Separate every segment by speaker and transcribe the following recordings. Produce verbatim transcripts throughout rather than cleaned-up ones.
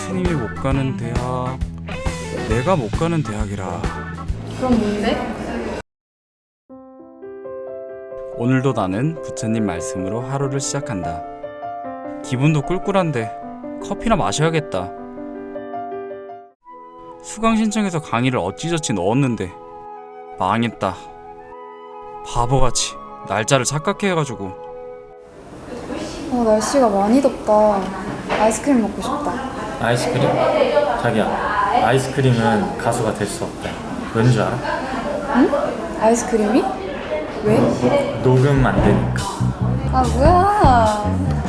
Speaker 1: 스님이 못 가는 대학, 내가 못 가는 대학이라.
Speaker 2: 그럼 뭔데?
Speaker 1: 오늘도 나는 부처님 말씀으로 하루를 시작한다. 기분도 꿀꿀한데 커피나 마셔야겠다. 수강 신청해서 강의를 어찌저찌 넣었는데 망했다. 바보같이 날짜를 착각해가지고.
Speaker 2: 아, 날씨가 많이 덥다. 아이스크림 먹고 싶다.
Speaker 3: 아이스크림? 자기야, 아이스크림은 가수가 될 수 없다. 왠 줄 알아?
Speaker 2: 아이스크림이? 왜?
Speaker 3: 녹음 안 되니까.
Speaker 2: 아, 뭐야.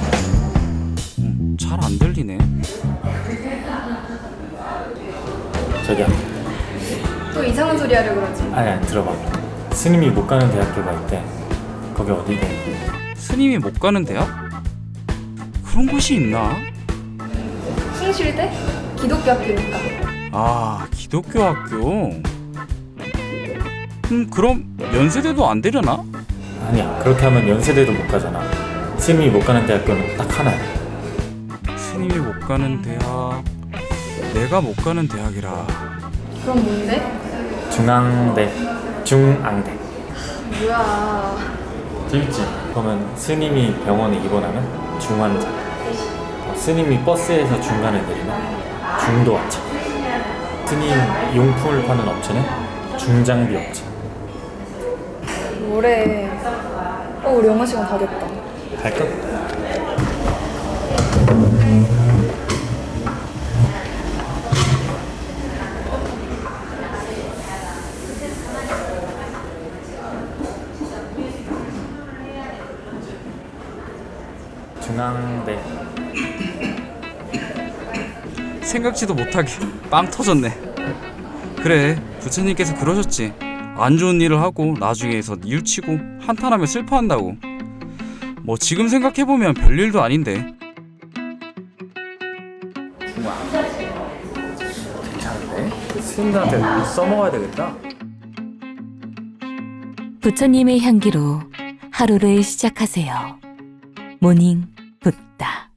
Speaker 1: 음, 잘 안 들리네.
Speaker 3: 자기야,
Speaker 2: 또 이상한 소리 하려 그러지.
Speaker 3: 아니 아니 들어봐. 스님이 못 가는 대학교가 있대. 거기 어디래?
Speaker 1: 스님이 못 가는 대학? 그런 곳이 있나?
Speaker 2: 숭실대? 기독교 학교니까.
Speaker 1: 아, 기독교 학교. 음, 그럼 연세대도 안 되려나?
Speaker 3: 아니야, 그렇게 하면 연세대도 못 가잖아. 스님이 못 가는 대학교는 딱 하나야.
Speaker 1: 스님이 못 가는 대학, 내가 못 가는 대학이라.
Speaker 2: 그럼 뭔데?
Speaker 3: 중앙대, 중앙대.
Speaker 2: 뭐야.
Speaker 3: 재밌지? 그러면 스님이 병원에 입원하면 중환자, 어, 스님이 버스에서 중간에 내리면 중도하차, 스님 용품을 파는 업체는 중장비 업체.
Speaker 2: 뭐래. 어, 우리 영어 시간 다 됐다.
Speaker 3: 갈까? 중앙대.
Speaker 1: 생각지도 못하게 빵 터졌네. 그래, 부처님께서 그러셨지. 안 좋은 일을 하고 나중에서 뉘우치고 한탄하며 슬퍼한다고. 뭐 지금 생각해보면 별일도 아닌데.
Speaker 3: 괜찮은데? 스님들한테 써먹어야 되겠다.
Speaker 4: 부처님의 향기로 하루를 시작하세요. 모닝 붓다.